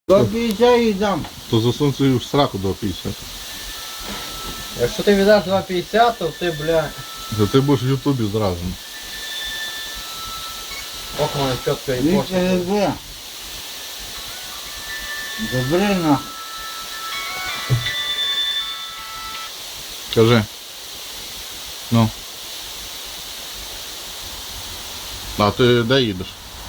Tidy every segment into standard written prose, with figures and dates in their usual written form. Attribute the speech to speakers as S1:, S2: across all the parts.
S1: До 50 і дам.
S2: То засунь свою в сраку до 50.
S3: Якщо ти віддаш 2,50, то ти, бля,
S2: То ти будеш в Ютубі зразу.
S3: ох, мене чітко і
S1: Віктор
S3: пошта.
S1: СБ. Добре нахуй.
S2: Кажи. Ну. А ти де їдеш?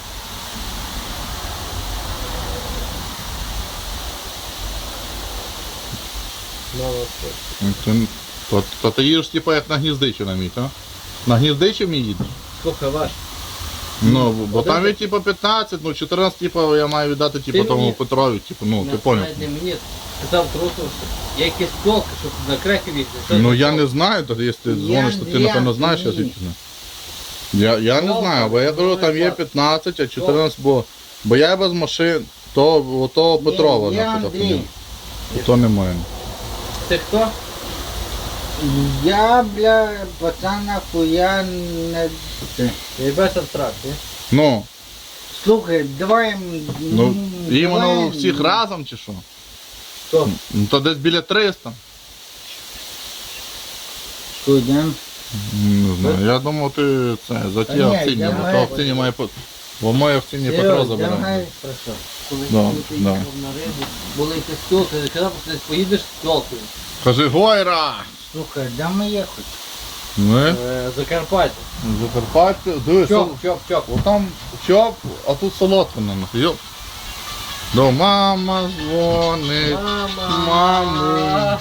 S2: То ти їдеш типу як на Гніздичі на мій, так? На Гніздичі мій їдеш?
S3: Слухай, ваш.
S2: Ну, бо там є типу 15, ну 14 типу я маю віддати типу
S3: Ти
S2: тому
S3: мені-
S2: Петрові, типу, ну ти поняв.
S3: Навіть не мені. Сказав трусу, що є якісь толки, щоб на креків їхати.
S2: Ну я не знаю, то якщо ти дзвониш, то ти напевно знаєш, я звідки знаю. Я не знаю, бо я кажу, там є 15, а 14, бо я без машин, то Петрова,
S1: Я
S2: значить,
S1: Андрій.
S2: то немає.
S3: Ти хто?
S1: Я, бля, пацан нахуя не...
S3: Ти без абстракт, ні?
S2: Ну,
S1: Слухай, давай...
S2: ну іменно
S1: давай-
S2: всіх разом чи що?
S3: Хто?
S2: Ну то десь біля 300.
S1: Що, йдем?
S2: Не знаю, я думав ти це, за ті
S1: Та ні,
S2: акційні,
S1: я
S2: бо то
S1: маю-
S2: акційні має бо моє акційні Петро забирає.
S1: Давай.
S3: Хорошо. Коли
S2: Да,
S3: ти
S2: да.
S3: їхав на рибу, були якісь толки, я казав, що ти поїдеш з толкою.
S2: Кажи, Гойра!
S1: Слухай, де ми їхати?
S2: Ми
S3: Закарпаття.
S2: Закарпаття, дивись,
S3: Чоп.
S2: отам чоп, а тут солодкина, йоп. До мама дзвонить. Маму.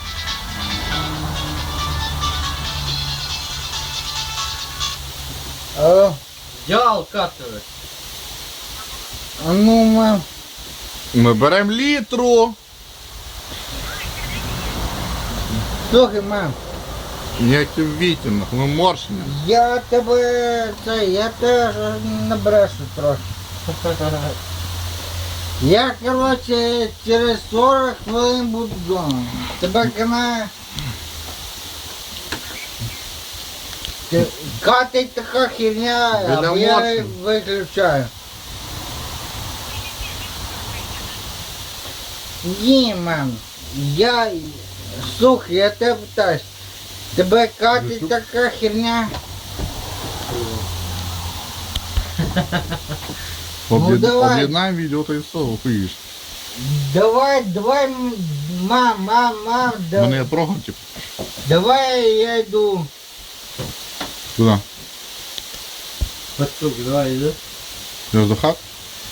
S3: Дял катери.
S1: А ну, мам.
S2: Ми беремо літру.
S1: Слухай, мам.
S2: Ніякий вітінг, ми морщення.
S1: Я теж набрешу трохи. Я, короче, через 40 хвилин буду вдома. Тебе канає. Катить така херня,
S2: Біля
S1: або я
S2: морщин.
S1: виключаю. Ні, мам, слухай, я тебе питаюсь, тебе катить така херня? Ну, давай.
S2: Об'єднаємо відео та і все, охуїш.
S1: Давай, мам,
S2: Мене я трогав, типу.
S1: давай я йду.
S2: Туди.
S3: Пацук, давай, йди.
S2: Я до хат?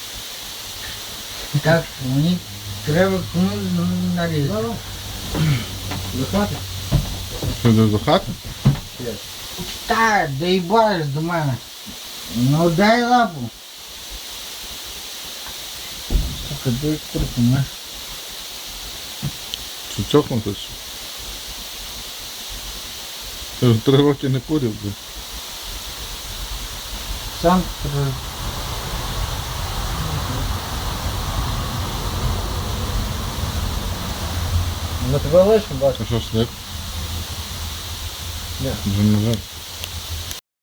S1: Так, мені треба комусь нарізати.
S3: Захвати?
S2: Ти йдеш до хати?
S1: Так, доїбаєш до мене. Ну дай лапу. Сука, дай курку, знаєш.
S2: Чи чокнутись? Я вже 3 роки не курив, блядь.
S1: Сам
S3: На тебе лишимо, бачиш?
S2: А що, снег?
S3: Ні.
S2: Вже не жаль.